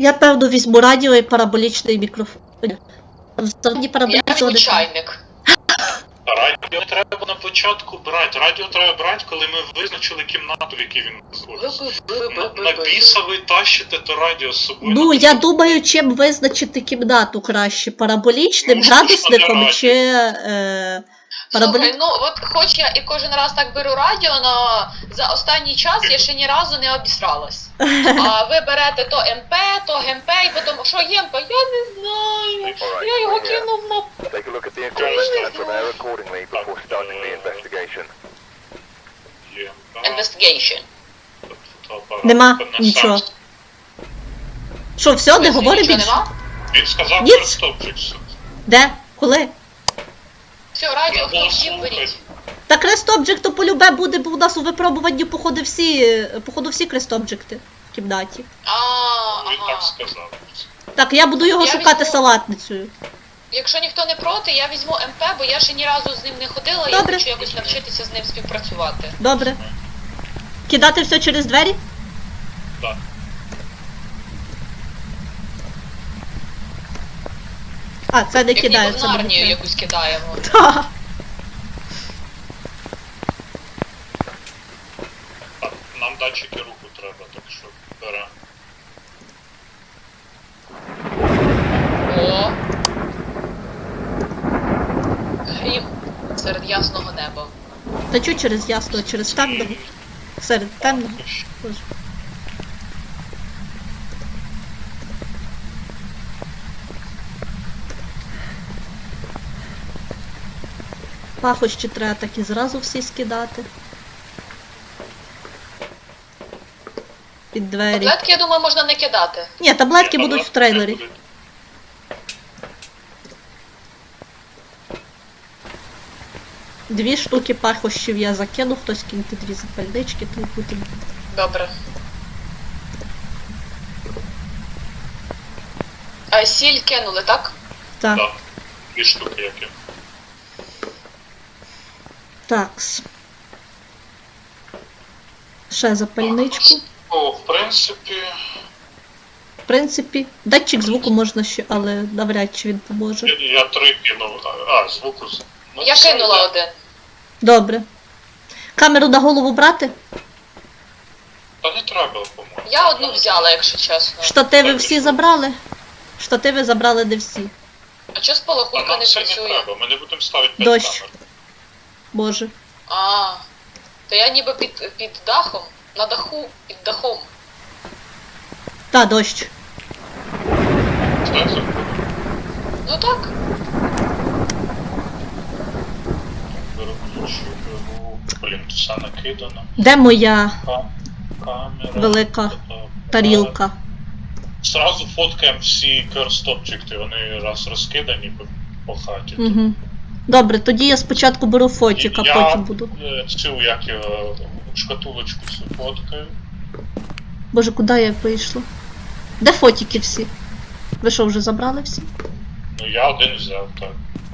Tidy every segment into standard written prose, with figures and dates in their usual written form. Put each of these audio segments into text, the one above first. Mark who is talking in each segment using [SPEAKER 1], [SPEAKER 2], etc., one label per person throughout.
[SPEAKER 1] Я, певно, візьму радіо і параболічний мікрофон. Взагалі
[SPEAKER 2] Я
[SPEAKER 1] параболічного
[SPEAKER 2] візьму чайник.
[SPEAKER 3] Радіо треба на початку брати. Радіо треба брати, коли ми визначили кімнату, в якій він знаходиться. На біса ви тащите то радіо з собою.
[SPEAKER 1] Ну, я думаю, чим визначити кімнату краще. Параболічним,
[SPEAKER 3] Ну,
[SPEAKER 1] градусником
[SPEAKER 3] радіо.
[SPEAKER 1] чи
[SPEAKER 2] Слухай, ну от хоч я і кожен раз так беру радіо, але за останній час я ще ні разу не обісралась. А ви берете то МП, то ГМП, і потім, що ЄМП? Я не знаю. Я його кинув на...
[SPEAKER 4] Take a look at the equipment and prepare accordingly before starting the investigation.
[SPEAKER 3] Є.
[SPEAKER 2] Investigation.
[SPEAKER 1] Нема нічого. Що, все, не говори
[SPEAKER 2] Нічого
[SPEAKER 1] більше?
[SPEAKER 2] нема?
[SPEAKER 3] Він сказав
[SPEAKER 1] Ні.
[SPEAKER 3] про стопчикс.
[SPEAKER 1] Де? Коли?
[SPEAKER 2] Все, радіо, хто всім беріть.
[SPEAKER 1] Та крест-обджекту полюбе буде, бо у нас у випробуванні, походу, всі крест-обджекти в кімнаті.
[SPEAKER 3] Він так
[SPEAKER 2] Ага.
[SPEAKER 3] сказав.
[SPEAKER 1] Так, я буду його
[SPEAKER 2] Я
[SPEAKER 1] шукати
[SPEAKER 2] візьму-
[SPEAKER 1] салатницею.
[SPEAKER 2] Якщо ніхто не проти, я візьму МП, бо я ще ні разу з ним не ходила,
[SPEAKER 1] Добре.
[SPEAKER 2] я хочу якось навчитися з ним співпрацювати.
[SPEAKER 1] Добре. Кидати все через двері?
[SPEAKER 3] Так.
[SPEAKER 1] А, це не
[SPEAKER 2] Як ніби в
[SPEAKER 1] кидається.
[SPEAKER 2] Нарнію якусь кидаємо.
[SPEAKER 1] Та.
[SPEAKER 3] Так, нам датчики руху треба, так що беремо.
[SPEAKER 2] О! Грім серед ясного неба.
[SPEAKER 1] Та чу через ясно, через темного. Серед темного. Боже. Пахощі треба так і зразу всі скидати. Під двері.
[SPEAKER 2] Таблетки, я думаю, можна не кидати.
[SPEAKER 1] Ні, таблетки
[SPEAKER 3] Ні,
[SPEAKER 1] будуть в
[SPEAKER 3] таблетки
[SPEAKER 1] трейлері.
[SPEAKER 3] будуть.
[SPEAKER 1] Дві штуки пахощів я закину, хтось киньте дві запальнички, то й буде.
[SPEAKER 2] Добре. А сіль кинули, так?
[SPEAKER 1] Так,
[SPEAKER 3] Так, дві штуки які.
[SPEAKER 1] такс. Ще запальничку.
[SPEAKER 3] О, в принципі,
[SPEAKER 1] В принципі, датчик звуку можна ще, але навряд чи він поможе.
[SPEAKER 3] я 3 кинув. Звуку. Ну,
[SPEAKER 2] Я
[SPEAKER 3] все,
[SPEAKER 2] кинула
[SPEAKER 3] йде.
[SPEAKER 2] один.
[SPEAKER 1] Добре. Камеру на голову брати?
[SPEAKER 3] Та не треба, по-моєму.
[SPEAKER 2] Я одну взяла, якщо чесно.
[SPEAKER 1] Штативи всі забрали? Штативи забрали не всі.
[SPEAKER 2] А чого
[SPEAKER 3] А
[SPEAKER 2] спалахунка
[SPEAKER 3] нам
[SPEAKER 2] не
[SPEAKER 3] це не
[SPEAKER 2] працює?
[SPEAKER 3] треба, ми не будемо ставити 5
[SPEAKER 1] Дощ.
[SPEAKER 3] камер.
[SPEAKER 1] Боже.
[SPEAKER 2] А, то я ніби під дахом, на даху, під дахом.
[SPEAKER 1] Та, дощ.
[SPEAKER 3] Так, це
[SPEAKER 2] Ну так.
[SPEAKER 3] беру ключі, беру. Блін, все накидано.
[SPEAKER 1] Де моя
[SPEAKER 3] Камера.
[SPEAKER 1] велика
[SPEAKER 3] фотоапарат.
[SPEAKER 1] тарілка?
[SPEAKER 3] Зразу фоткаємо всі curse-objects, вони раз розкидані по хаті.
[SPEAKER 1] Угу. Добре, тоді я спочатку беру фотик, а
[SPEAKER 3] Я
[SPEAKER 1] потім буду.
[SPEAKER 3] Цю, як його, шкатулочку всю фоткаю.
[SPEAKER 1] Боже, куди я вийшла? Де фотики всі? Ви що, вже забрали всі?
[SPEAKER 3] Ну я один взяв, так.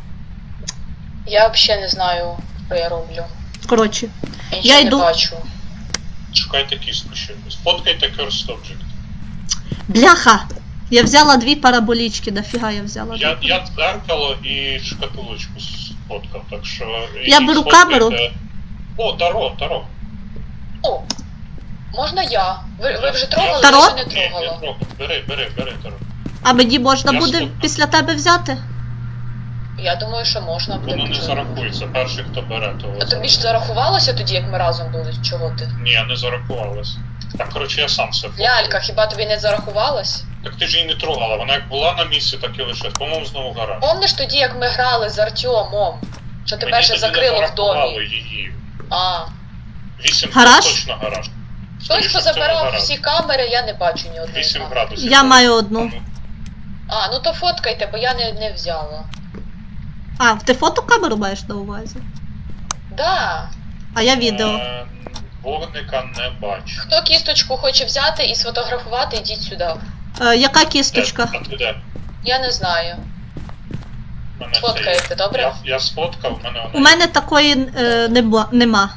[SPEAKER 2] Я взагалі не знаю, що я роблю.
[SPEAKER 1] Коротше,
[SPEAKER 2] Я
[SPEAKER 1] Я
[SPEAKER 2] нічого
[SPEAKER 1] йду.
[SPEAKER 2] не бачу.
[SPEAKER 3] Шукайте кістку ще. Сфоткайте curse-object.
[SPEAKER 1] бляха! Я взяла дві параболічки, нафіга я взяла дві.
[SPEAKER 3] Я дзеркало і шкатулочку сфоткав, так що...
[SPEAKER 1] Я беру камеру.
[SPEAKER 3] О, Таро.
[SPEAKER 2] О, можна я? Ви вже трогали,
[SPEAKER 1] Таро?
[SPEAKER 2] я ще не
[SPEAKER 3] Ні, не
[SPEAKER 2] трогала.
[SPEAKER 3] трогай. Бери, Таро.
[SPEAKER 1] А мені можна
[SPEAKER 3] Я
[SPEAKER 1] буде
[SPEAKER 3] сфоткав.
[SPEAKER 1] після тебе взяти?
[SPEAKER 2] Я думаю, що можна буде.
[SPEAKER 3] Воно не зарахується, перший, хто бере, то...
[SPEAKER 2] А тобі ж зарахувалося тоді, як ми разом були? Чого ти?
[SPEAKER 3] Ні, не зарахувалось. Так, коротше, я сам все фоткав.
[SPEAKER 2] Лялька, хіба тобі не зарахувалось?
[SPEAKER 3] Так ти ж її не трогала, вона як була на місці, так і лише. По-моєму, знову гараж.
[SPEAKER 2] Помниш тоді, як ми грали з Артемом? Що тебе
[SPEAKER 3] Мені
[SPEAKER 2] ще
[SPEAKER 3] тоді
[SPEAKER 2] закрило
[SPEAKER 3] не
[SPEAKER 2] в домі?
[SPEAKER 3] зарахували її.
[SPEAKER 2] А.
[SPEAKER 3] 8
[SPEAKER 1] Гараж?
[SPEAKER 3] точно гараж.
[SPEAKER 2] Хтось
[SPEAKER 3] Скоріше, це
[SPEAKER 2] позабирав
[SPEAKER 3] гараж.
[SPEAKER 2] всі камери, я не бачу ні одної
[SPEAKER 3] 8
[SPEAKER 2] камери.
[SPEAKER 3] градусів.
[SPEAKER 1] Я маю одну.
[SPEAKER 2] А, ну то фоткайте, бо я не взяла.
[SPEAKER 1] А, ти фотокамеру маєш на увазі?
[SPEAKER 2] Да.
[SPEAKER 1] А я відео.
[SPEAKER 3] Вогника не бачу.
[SPEAKER 2] Хто кісточку хоче взяти і сфотографувати, йдіть сюди.
[SPEAKER 1] Яка кісточка?
[SPEAKER 3] А ти де?
[SPEAKER 2] Я не знаю.
[SPEAKER 3] Мене
[SPEAKER 2] Сфоткаєте,
[SPEAKER 3] це є.
[SPEAKER 2] добре?
[SPEAKER 3] Я сфоткав, в мене вона
[SPEAKER 1] У мене такої нема.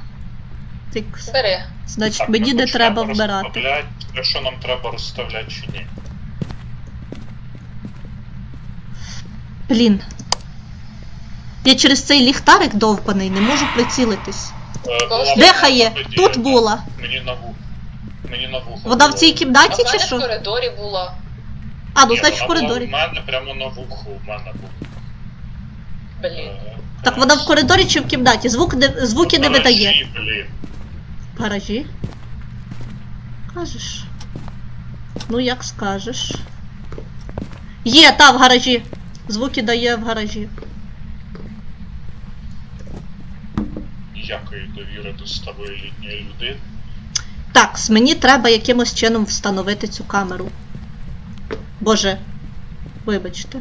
[SPEAKER 2] Бери.
[SPEAKER 1] Значить,
[SPEAKER 3] Так,
[SPEAKER 1] мені
[SPEAKER 3] ми
[SPEAKER 1] не
[SPEAKER 3] почнемо
[SPEAKER 1] треба вбирати.
[SPEAKER 3] розставляти. Що нам треба розставляти чи ні?
[SPEAKER 1] Блін. Я через цей ліхтарик довбаний не можу прицілитись.
[SPEAKER 3] Була
[SPEAKER 1] Де хає?
[SPEAKER 3] подія,
[SPEAKER 1] Тут
[SPEAKER 3] да.
[SPEAKER 1] була.
[SPEAKER 3] Мені на вухо.
[SPEAKER 1] Вона в
[SPEAKER 3] було.
[SPEAKER 1] цій
[SPEAKER 2] А
[SPEAKER 1] кімнаті
[SPEAKER 2] в
[SPEAKER 1] чи
[SPEAKER 2] мене в
[SPEAKER 1] що?
[SPEAKER 2] коридорі була.
[SPEAKER 1] А, ну
[SPEAKER 3] Ні,
[SPEAKER 1] значить в
[SPEAKER 3] вона була
[SPEAKER 1] коридорі.
[SPEAKER 3] в мене прямо на вуху, в мене була.
[SPEAKER 2] Блін.
[SPEAKER 1] Так вона в коридорі чи в кімнаті? Звуки не видає.
[SPEAKER 3] Блін.
[SPEAKER 1] В гаражі? Кажеш. Ну як скажеш. Є, та в гаражі. Звуки дає в гаражі.
[SPEAKER 3] Ніякої довіри до старої літньої людини.
[SPEAKER 1] Так, мені треба якимось чином встановити цю камеру. Боже, вибачте.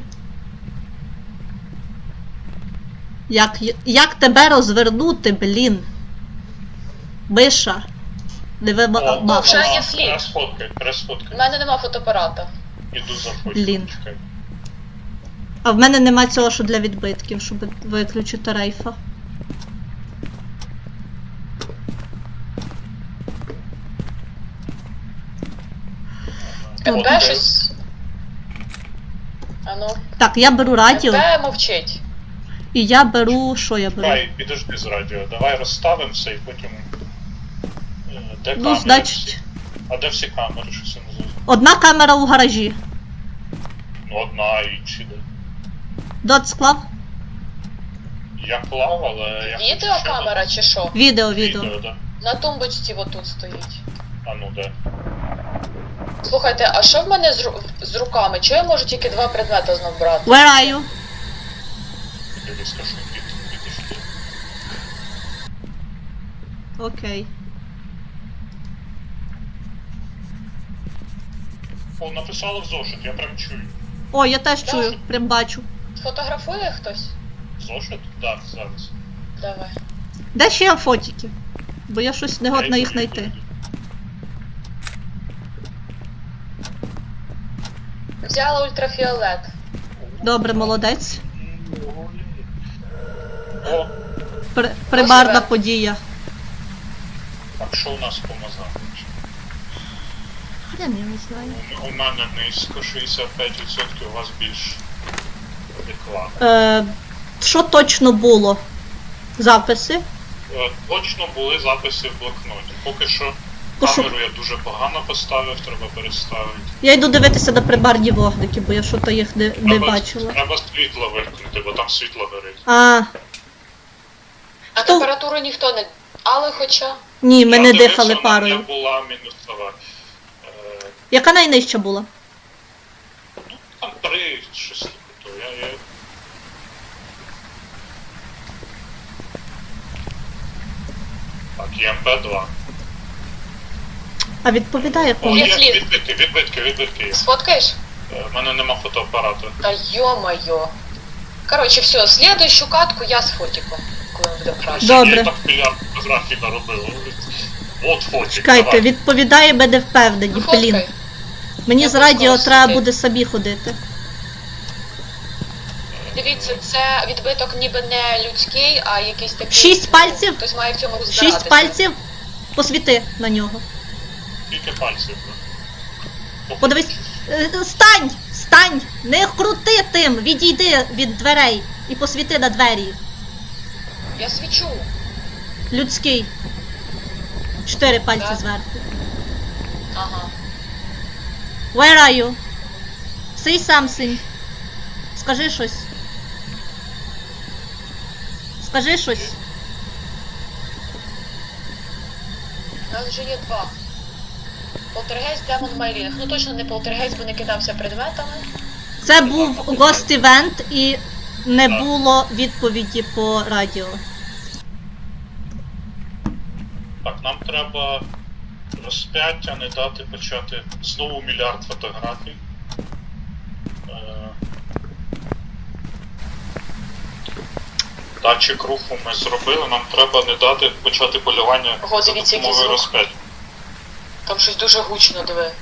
[SPEAKER 1] Як тебе розвернути, блін? Миша. Не
[SPEAKER 2] вже
[SPEAKER 1] вимагав.
[SPEAKER 2] є слід. У
[SPEAKER 3] Пересфоткай.
[SPEAKER 2] мене нема фотоапарата.
[SPEAKER 3] Іду за фото.
[SPEAKER 1] Блін.
[SPEAKER 3] Чекай.
[SPEAKER 1] А в мене нема цього, що для відбитків, щоб виключити рейфа.
[SPEAKER 2] МП
[SPEAKER 3] Окей.
[SPEAKER 2] щось. Ану.
[SPEAKER 1] Так, я беру радіо,
[SPEAKER 2] МП мовчить.
[SPEAKER 1] і я беру. Що я беру?
[SPEAKER 3] Давай, підожди з радіо. Давай розставимо все і потім. Де
[SPEAKER 1] Ну,
[SPEAKER 3] камери
[SPEAKER 1] значить,
[SPEAKER 3] всі? А де всі камери? Що це не зрозуміло?
[SPEAKER 1] одна камера у гаражі.
[SPEAKER 3] Ну, одна і інші де.
[SPEAKER 1] Дот склав?
[SPEAKER 3] Я клав, але я хочу ще
[SPEAKER 2] Відеокамера чи що?
[SPEAKER 1] Відео.
[SPEAKER 3] Відео, да.
[SPEAKER 2] На тумбочці отут стоїть.
[SPEAKER 3] А ну де.
[SPEAKER 2] Слухайте, а що в мене з руками? Чого я можу тільки 2 предмети знов брати?
[SPEAKER 1] Where are you?
[SPEAKER 3] Тобі скажу, підійшли.
[SPEAKER 1] Окей.
[SPEAKER 3] О, написала в зошит, я прям чую.
[SPEAKER 1] О, я теж чую, прям бачу.
[SPEAKER 2] Фотографує хтось?
[SPEAKER 3] Зошит? Так, зараз.
[SPEAKER 2] Давай.
[SPEAKER 1] Де ще є фотики? Бо я щось не годна їх
[SPEAKER 3] Йду,
[SPEAKER 1] знайти.
[SPEAKER 3] йду.
[SPEAKER 2] Взяла ультрафіолет.
[SPEAKER 1] Добре, молодець.
[SPEAKER 3] О,
[SPEAKER 1] Примарна
[SPEAKER 2] Ось
[SPEAKER 1] подія.
[SPEAKER 3] так що у нас по мазам?
[SPEAKER 1] Хрен я не знаю.
[SPEAKER 3] У мене низько 65%, у вас більш адекватно.
[SPEAKER 1] Що точно було? Записи?
[SPEAKER 3] Точно були записи в блокноті. Поки що камеру я дуже погано поставив, треба переставити.
[SPEAKER 1] Я йду дивитися на примарні вогники, бо я щось їх не бачила.
[SPEAKER 3] Треба світло вимкнути, бо там світло горить.
[SPEAKER 1] А,
[SPEAKER 2] А
[SPEAKER 1] Хто?
[SPEAKER 2] температуру ніхто не... Але хоча...
[SPEAKER 1] ні, ми
[SPEAKER 3] Я
[SPEAKER 1] не
[SPEAKER 3] дивився,
[SPEAKER 1] дихали
[SPEAKER 3] вона
[SPEAKER 1] парою.
[SPEAKER 3] не була мінусова.
[SPEAKER 1] Яка найнижча була?
[SPEAKER 3] Там 3, щось таке. То я... Так, ЄМП-2.
[SPEAKER 1] А відповідає
[SPEAKER 3] О,
[SPEAKER 1] кому?
[SPEAKER 2] Є
[SPEAKER 3] є
[SPEAKER 2] слід.
[SPEAKER 3] відбитки є.
[SPEAKER 2] Сфоткаєш?
[SPEAKER 3] В мене нема фотоапарату.
[SPEAKER 2] Та йо-моє. Коротше, все, слідуючу катку я з фотиком, коли буде краще.
[SPEAKER 1] Добре.
[SPEAKER 3] Я так мільярд фотографій наробив. От фотик,
[SPEAKER 1] Чекайте,
[SPEAKER 3] давай.
[SPEAKER 1] відповідає, ми не впевнені,
[SPEAKER 2] Ну,
[SPEAKER 1] блін.
[SPEAKER 2] фоткай.
[SPEAKER 1] Мені
[SPEAKER 2] Я
[SPEAKER 1] з радіо
[SPEAKER 2] просто
[SPEAKER 1] треба
[SPEAKER 2] сюди.
[SPEAKER 1] буде собі ходити.
[SPEAKER 2] Дивіться, це відбиток ніби не людський, а якийсь такий...
[SPEAKER 1] 6 пальців?
[SPEAKER 2] Хтось має в цьому розбиратися.
[SPEAKER 1] 6 пальців, посвіти на нього.
[SPEAKER 3] Скільки пальців?
[SPEAKER 1] Подивись. Стань! Стань! Не крути тим! Відійди від дверей і посвіти на двері.
[SPEAKER 2] Я свічу.
[SPEAKER 1] Людський. 4 пальці
[SPEAKER 2] Так.
[SPEAKER 1] зверху.
[SPEAKER 2] Ага.
[SPEAKER 1] Where are you? Say something. Скажи щось. Скажи щось.
[SPEAKER 2] У нас вже є 2. Полтергейст, демон, Майлінг. Ну точно не полтергейст, бо не кидався предметами.
[SPEAKER 1] Це був Ghost Event і не
[SPEAKER 3] Так.
[SPEAKER 1] було відповіді по радіо.
[SPEAKER 3] Так, нам треба розп'яття, не дати почати знову мільярд фотографій. Датчик руху ми зробили, нам треба не дати почати полювання
[SPEAKER 2] Ого,
[SPEAKER 3] за
[SPEAKER 2] дивіться, який
[SPEAKER 3] допомогою
[SPEAKER 2] звук.
[SPEAKER 3] розп'яття.
[SPEAKER 2] Там щось дуже гучно, диви.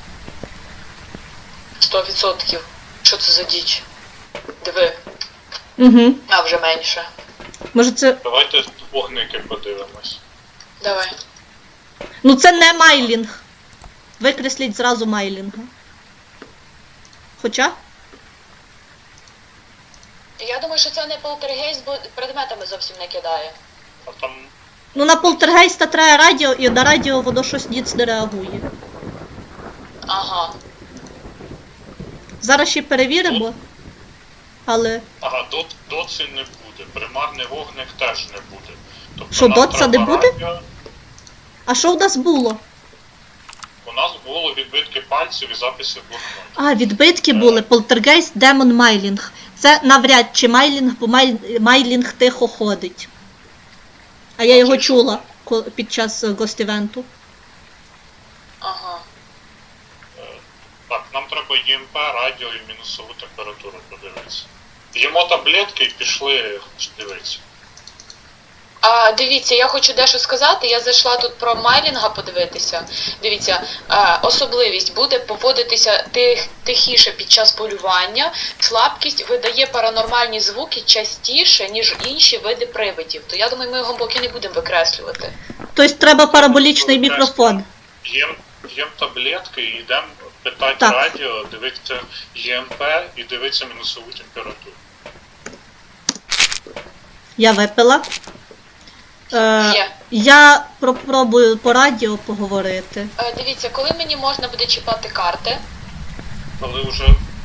[SPEAKER 2] 100%. Що це за діч? Диви.
[SPEAKER 1] Угу.
[SPEAKER 2] А, вже менше.
[SPEAKER 1] Може це.
[SPEAKER 3] Давайте вогники подивимось.
[SPEAKER 2] Давай.
[SPEAKER 1] Ну це не майлінг. Викресліть зразу майлінга. Хоча?
[SPEAKER 2] Я думаю, що це не полтергейст, бо предметами зовсім не кидає.
[SPEAKER 3] А там
[SPEAKER 1] Ну на полтергейста треба радіо, і на радіо воно щось ніц не реагує.
[SPEAKER 2] Ага.
[SPEAKER 1] Зараз ще перевіримо. Але.
[SPEAKER 3] ага, доці не буде, примарний вогник теж не буде. Тобто
[SPEAKER 1] Що,
[SPEAKER 3] нам
[SPEAKER 1] доца не
[SPEAKER 3] треба
[SPEAKER 1] буде?
[SPEAKER 3] радіо.
[SPEAKER 1] А що в нас було?
[SPEAKER 3] У нас було відбитки пальців і записи в блокноті.
[SPEAKER 1] А, відбитки були. Полтергейст, демон, майлінг. Це навряд чи майлінг, бо майлінг тихо ходить. А я його чула під час гост-івенту.
[SPEAKER 2] Ага.
[SPEAKER 3] Так, нам треба ЄМП, радіо і мінусову температуру подивитися. Їмо таблетки і пішли дивитися.
[SPEAKER 2] А дивіться, я хочу дещо сказати. Я зайшла тут про майлінга подивитися. Дивіться, особливість буде поводитися тихіше під час полювання. Слабкість видає паранормальні звуки частіше, ніж інші види привидів. То я думаю, ми його поки не будемо викреслювати.
[SPEAKER 1] Тобто треба параболічний мікрофон.
[SPEAKER 3] Їм таблетки і йдемо питати
[SPEAKER 1] Так.
[SPEAKER 3] радіо, дивитися ЄМП і дивитися мінусову температуру.
[SPEAKER 1] Я випила.
[SPEAKER 2] Є.
[SPEAKER 1] Я попробую по радіо поговорити.
[SPEAKER 2] Дивіться, коли мені можна буде чіпати карти?
[SPEAKER 3] Коли вже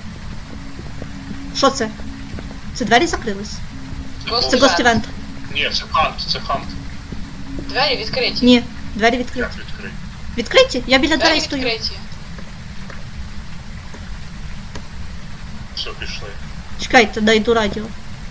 [SPEAKER 1] Що це? Це двері закрились?
[SPEAKER 2] Ghost
[SPEAKER 1] Це
[SPEAKER 2] Event.
[SPEAKER 1] гост-івент.
[SPEAKER 3] Ні, це хант.
[SPEAKER 2] Двері відкриті.
[SPEAKER 1] Ні, двері відкриті.
[SPEAKER 3] Як відкрити?
[SPEAKER 1] Відкриті? Я біля
[SPEAKER 2] Двері
[SPEAKER 1] дверей стою.
[SPEAKER 2] відкриті.
[SPEAKER 3] Все, пішли.
[SPEAKER 1] Чекайте, дайду радіо.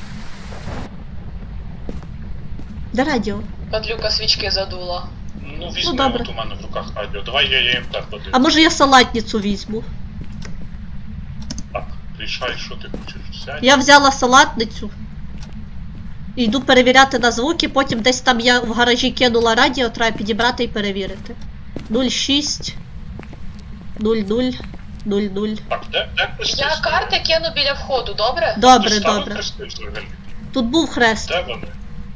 [SPEAKER 1] Де радіо?
[SPEAKER 2] Падлюка свічки задула.
[SPEAKER 3] Ну, візьми,
[SPEAKER 1] добре.
[SPEAKER 3] от у мене в руках радіо. Давай я ЄМП подивлюсь.
[SPEAKER 1] А може я салатницю візьму?
[SPEAKER 3] Так, рішай, що ти хочеш взяти.
[SPEAKER 1] Я взяла салатницю. І йду перевіряти на звуки, потім десь там я в гаражі кинула радіо, треба підібрати і перевірити. 06 00 00.
[SPEAKER 3] Так, де Христос?
[SPEAKER 2] Я карти кину біля входу, добре?
[SPEAKER 1] Добре,
[SPEAKER 3] Ти ставив
[SPEAKER 1] добре.
[SPEAKER 3] хрести взагалі?
[SPEAKER 1] Тут був хрест.
[SPEAKER 3] Де вони?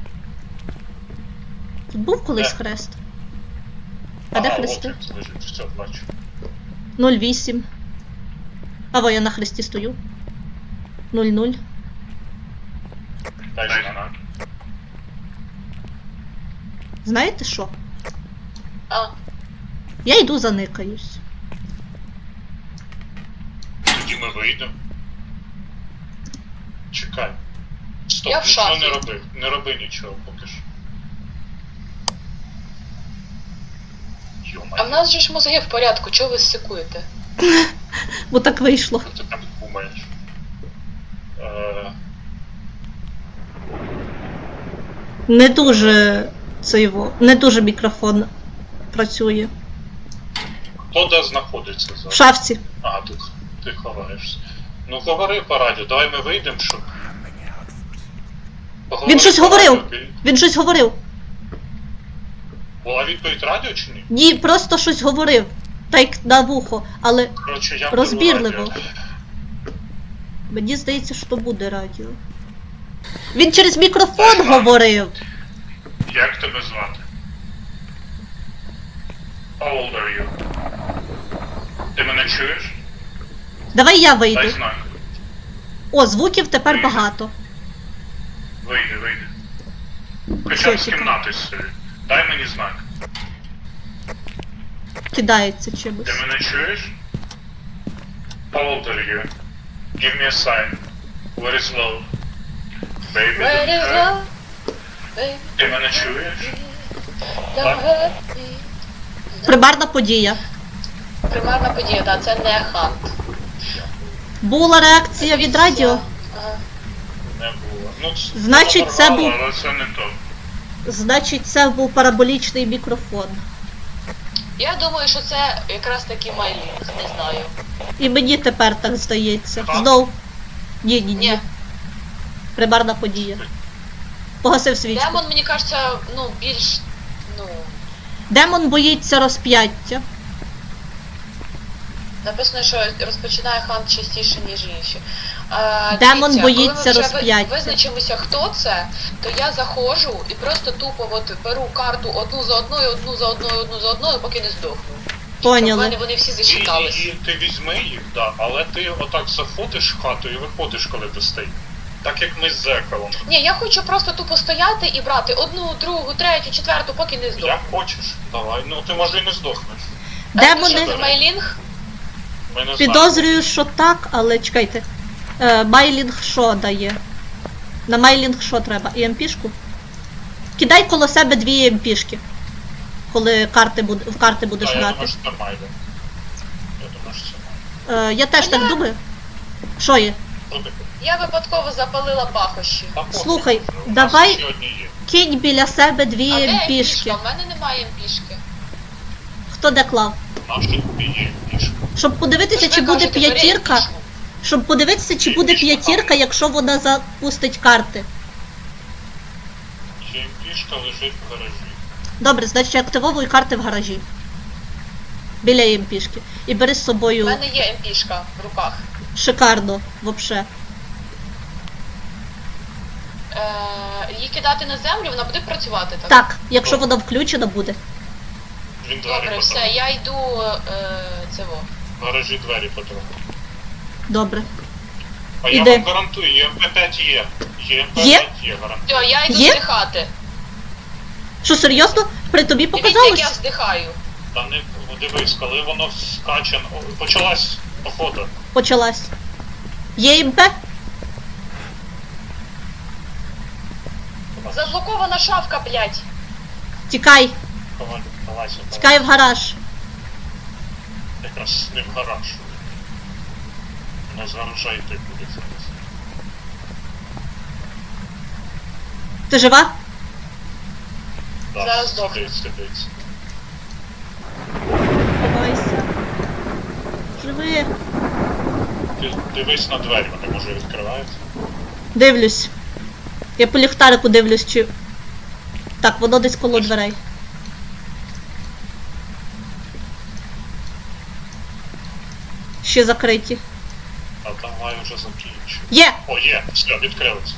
[SPEAKER 1] Тут був колись
[SPEAKER 3] Де?
[SPEAKER 1] хрест. А де
[SPEAKER 3] Ага,
[SPEAKER 1] хрести?
[SPEAKER 3] от він лежить, все, бачу.
[SPEAKER 1] 08. А во, я на хресті стою. 00.
[SPEAKER 3] Дай знак.
[SPEAKER 1] Знаєте що?
[SPEAKER 2] А,
[SPEAKER 1] Я йду заникаюсь.
[SPEAKER 3] Тоді ми вийдемо. Чекай. Стоп,
[SPEAKER 2] Я в
[SPEAKER 3] нічого
[SPEAKER 2] шафі.
[SPEAKER 3] не роби. Не роби нічого поки що.
[SPEAKER 2] а в
[SPEAKER 3] Йо-моє,
[SPEAKER 2] нас же ж мозги в порядку, чого ви сикуєте?
[SPEAKER 1] Бо так вийшло.
[SPEAKER 3] що ти так думаєш?
[SPEAKER 1] Не дуже не дуже мікрофон працює.
[SPEAKER 3] Хто де знаходиться
[SPEAKER 1] В
[SPEAKER 3] зараз?
[SPEAKER 1] шафці.
[SPEAKER 3] Ага, ти ховаєшся. Ну говори по радіо, давай ми вийдемо, щоб... Поговори
[SPEAKER 1] Він щось
[SPEAKER 3] по
[SPEAKER 1] говорив.
[SPEAKER 3] радіо.
[SPEAKER 1] Він щось говорив.
[SPEAKER 3] Була відповідь радіо чи ні?
[SPEAKER 1] Ні, просто щось говорив. Так як на вухо, але
[SPEAKER 3] Коротше, я беру
[SPEAKER 1] розбірливо.
[SPEAKER 3] радіо.
[SPEAKER 1] Мені здається, що буде радіо. Він через мікрофон
[SPEAKER 3] Так.
[SPEAKER 1] говорив.
[SPEAKER 3] Як тебе звати? How old are you? Ти мене чуєш?
[SPEAKER 1] Давай я
[SPEAKER 3] Дай
[SPEAKER 1] вийду.
[SPEAKER 3] знак.
[SPEAKER 1] О, звуків тепер багато.
[SPEAKER 3] Вийди. Хоча
[SPEAKER 1] Все,
[SPEAKER 3] б з
[SPEAKER 1] чекай.
[SPEAKER 3] кімнати сиди. Дай мені знак.
[SPEAKER 1] Кидається чимось.
[SPEAKER 3] Ти мене чуєш? How old are you? Give me a sign. Where is love? Baby,
[SPEAKER 2] Where
[SPEAKER 3] don't
[SPEAKER 2] is
[SPEAKER 3] hurt.
[SPEAKER 2] love, baby?
[SPEAKER 3] Ти мене чуєш?
[SPEAKER 2] Don't hurt me.
[SPEAKER 1] Примарна подія.
[SPEAKER 2] Примарна подія, так, це не хант.
[SPEAKER 1] Була реакція від радіо.
[SPEAKER 2] Ага.
[SPEAKER 3] Не було. Ну,
[SPEAKER 1] Значить, це
[SPEAKER 3] порвало,
[SPEAKER 1] був-
[SPEAKER 3] але це не то.
[SPEAKER 1] Значить, це був параболічний мікрофон.
[SPEAKER 2] Я думаю, що це якраз таки майлінг, не знаю.
[SPEAKER 1] І мені тепер так здається.
[SPEAKER 3] Так?
[SPEAKER 1] Знов. Ні.
[SPEAKER 2] Ні.
[SPEAKER 1] Примарна подія. Погасив свічку.
[SPEAKER 2] Демон, мені кажеться, ну, більш, ну,
[SPEAKER 1] Демон боїться розп'яття.
[SPEAKER 2] написано, що розпочинає хант частіше, ніж інші.
[SPEAKER 1] Демон
[SPEAKER 2] Дивіться,
[SPEAKER 1] боїться
[SPEAKER 2] коли ми вже
[SPEAKER 1] розп'яття.
[SPEAKER 2] визначимося, хто це, то я заходжу і просто тупо от беру карту одну за одною, поки не здохну. В
[SPEAKER 1] Поняли.
[SPEAKER 2] мене вони всі зачитались.
[SPEAKER 3] І ти візьми їх, да, але ти отак заходиш в хату і виходиш, коли достає. Так як ми з Зекалом.
[SPEAKER 2] Ні, я хочу просто тупо стояти і брати одну, другу, третю, четверту, поки не здохну.
[SPEAKER 3] Як хочеш, давай. Ну ти може і не здохнеш.
[SPEAKER 1] Демони.
[SPEAKER 2] Що, Мейлінг?
[SPEAKER 3] Ми не знаємо.
[SPEAKER 1] Підозрюю, що так, але чекайте. Майлінг що дає? На майлінг що треба? ЕМПшку? Кидай коло себе 2 ЕМПшки. Коли в карти будеш
[SPEAKER 3] Та, я
[SPEAKER 1] грати.
[SPEAKER 3] думаю, що це Майлі. Я думаю, що це Майлі.
[SPEAKER 1] Я теж так думаю. Що є?
[SPEAKER 3] Що таке?
[SPEAKER 2] Я випадково запалила пахощі.
[SPEAKER 3] Та пофіг
[SPEAKER 1] Слухай,
[SPEAKER 3] вже, у нас
[SPEAKER 1] давай-
[SPEAKER 3] ще одні є.
[SPEAKER 1] Кинь біля себе 2
[SPEAKER 2] А де
[SPEAKER 1] ЕМПшки.
[SPEAKER 2] емпішка? У мене немає емпішки.
[SPEAKER 1] Хто де клав?
[SPEAKER 3] Наші тобі є пішки.
[SPEAKER 1] Щоб подивитися, чи буде п'ятірка. Щоб подивитися, чи буде п'ятірка, якщо вона запустить карти.
[SPEAKER 3] Ще пішка лежить в гаражі.
[SPEAKER 1] Добре, значить активовуй карти в гаражі. Біля ЕМПшки. І бери з
[SPEAKER 2] У
[SPEAKER 1] собою
[SPEAKER 2] мене є емпішка в руках.
[SPEAKER 1] шикарно, вообще.
[SPEAKER 2] Її кидати на землю, вона буде працювати, так?
[SPEAKER 1] Так, якщо вона включена буде.
[SPEAKER 3] Він двері
[SPEAKER 2] Добре, все,
[SPEAKER 3] потроху.
[SPEAKER 2] я йду цього.
[SPEAKER 3] В гаражі двері потроху.
[SPEAKER 1] Добре.
[SPEAKER 3] А я
[SPEAKER 1] Іди.
[SPEAKER 3] вам гарантую, ЄМП-5 є. ЄМП-5 є, гарантую.
[SPEAKER 2] Все, я йду
[SPEAKER 1] Є?
[SPEAKER 2] здихати.
[SPEAKER 1] Що, серйозно? При тобі
[SPEAKER 2] Дивіться, як я
[SPEAKER 1] показалось?
[SPEAKER 2] вздихаю.
[SPEAKER 3] Та не дивись, коли воно скаче, почалась охота.
[SPEAKER 1] Почалась. Є МП?
[SPEAKER 2] Заблокована шафка, блядь.
[SPEAKER 1] Тікай.
[SPEAKER 3] Давайся,
[SPEAKER 1] Тікай в гараж.
[SPEAKER 3] якраз не в гараж. Воно з гаража йти буде зараз.
[SPEAKER 1] Ти жива?
[SPEAKER 3] Да,
[SPEAKER 2] Зараз здохне.
[SPEAKER 3] сидить.
[SPEAKER 1] Ховайся. Живи.
[SPEAKER 3] Ти дивись на двері, вони може відкриваються.
[SPEAKER 1] Дивлюсь. Я по ліхтарику дивлюсь, чи... Так, воно десь коло дверей. Ще закриті.
[SPEAKER 3] А давай вже закінчу.
[SPEAKER 1] Є!
[SPEAKER 3] О, є, все, відкрилися.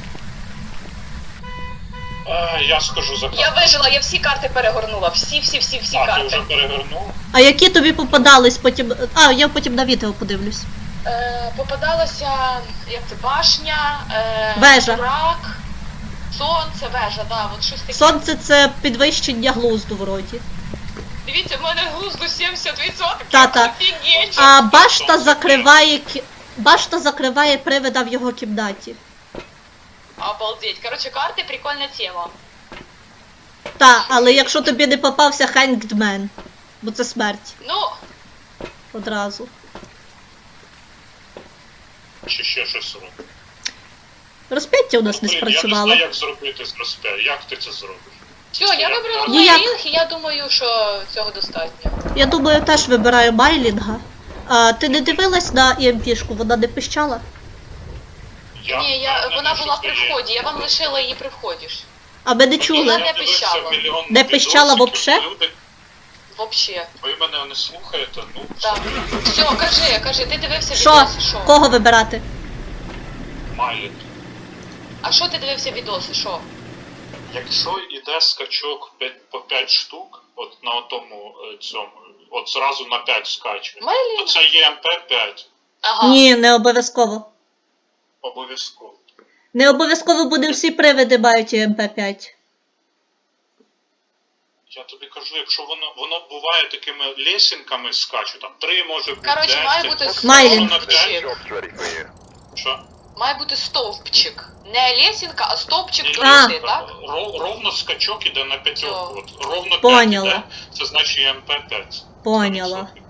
[SPEAKER 3] Я скажу за
[SPEAKER 2] Я вижила, я всі карти перегорнула. Всі
[SPEAKER 3] А, ти вже
[SPEAKER 2] карти.
[SPEAKER 3] перевернув?
[SPEAKER 1] А які тобі попадались потім... А, я потім на відео подивлюсь.
[SPEAKER 2] Попадалася, як це, башня,
[SPEAKER 1] Вежа.
[SPEAKER 2] Бурак, сонце, вежа, да, от щось таке.
[SPEAKER 1] Сонце це підвищення глузду вроді.
[SPEAKER 2] Дивіться, в мене глузду 70%.
[SPEAKER 1] Та-та.
[SPEAKER 2] Офігеть.
[SPEAKER 1] А башта закриває... Башта закриває привида в його кімнаті.
[SPEAKER 2] Обалдеть. Короче, карти прикольна тема.
[SPEAKER 1] Та, але якщо тобі не попався Hanged Man, бо це смерть
[SPEAKER 2] Ну,
[SPEAKER 1] одразу.
[SPEAKER 3] Чи ще щось робить?
[SPEAKER 1] Розп'яття у нас не
[SPEAKER 3] Блін,
[SPEAKER 1] спрацювало.
[SPEAKER 3] Я не знаю, як зробити з розп'я. Як ти це зробиш?
[SPEAKER 2] все, я вибрала
[SPEAKER 1] Ніяк.
[SPEAKER 2] Мейлінг, і я думаю, що цього достатньо.
[SPEAKER 1] Я думаю, теж вибираю Майлінга. А ти не дивилась на ЕМПшку, вона не пищала?
[SPEAKER 2] Ні, вона була при вході, я вам лишила її при вході ж.
[SPEAKER 1] А ми не
[SPEAKER 2] Вона
[SPEAKER 1] чули.
[SPEAKER 2] не пищала.
[SPEAKER 1] Не пищала вообще?
[SPEAKER 3] Люди,
[SPEAKER 2] Вообще.
[SPEAKER 3] ви мене не слухаєте, ну,
[SPEAKER 2] Так. Все, кажи, ти дивився
[SPEAKER 1] Що?
[SPEAKER 2] відоси, що?
[SPEAKER 1] Кого вибирати?
[SPEAKER 3] має.
[SPEAKER 2] А що ти дивився відоси, що?
[SPEAKER 3] Якщо йде скачок по 5 штук, от на тому цьому, от зразу на 5 скаче, то
[SPEAKER 2] Мейлінг?
[SPEAKER 3] це є МП-5.
[SPEAKER 2] Ага.
[SPEAKER 1] Ні, не обов'язково.
[SPEAKER 3] Обов'язково.
[SPEAKER 1] Не обов'язково буде всі привиди мають МП5.
[SPEAKER 3] Я тобі кажу, якщо воно буває такими лесінками скаче, там 3 може бути,
[SPEAKER 2] Коротше,
[SPEAKER 3] 10,
[SPEAKER 2] має бути
[SPEAKER 1] Майлінг.
[SPEAKER 3] на 5,
[SPEAKER 2] стовпчик.
[SPEAKER 4] Job's ready for you.
[SPEAKER 3] що?
[SPEAKER 2] Має бути стовпчик. Не лесінка, а стовпчик
[SPEAKER 3] Ні,
[SPEAKER 2] до
[SPEAKER 1] А.
[SPEAKER 2] ліси, так?
[SPEAKER 3] Ровно скачок іде на 5.
[SPEAKER 2] Всьо.
[SPEAKER 3] От ровно 5
[SPEAKER 1] Поняла.
[SPEAKER 3] іде, це значить є МП-5.
[SPEAKER 1] Поняла.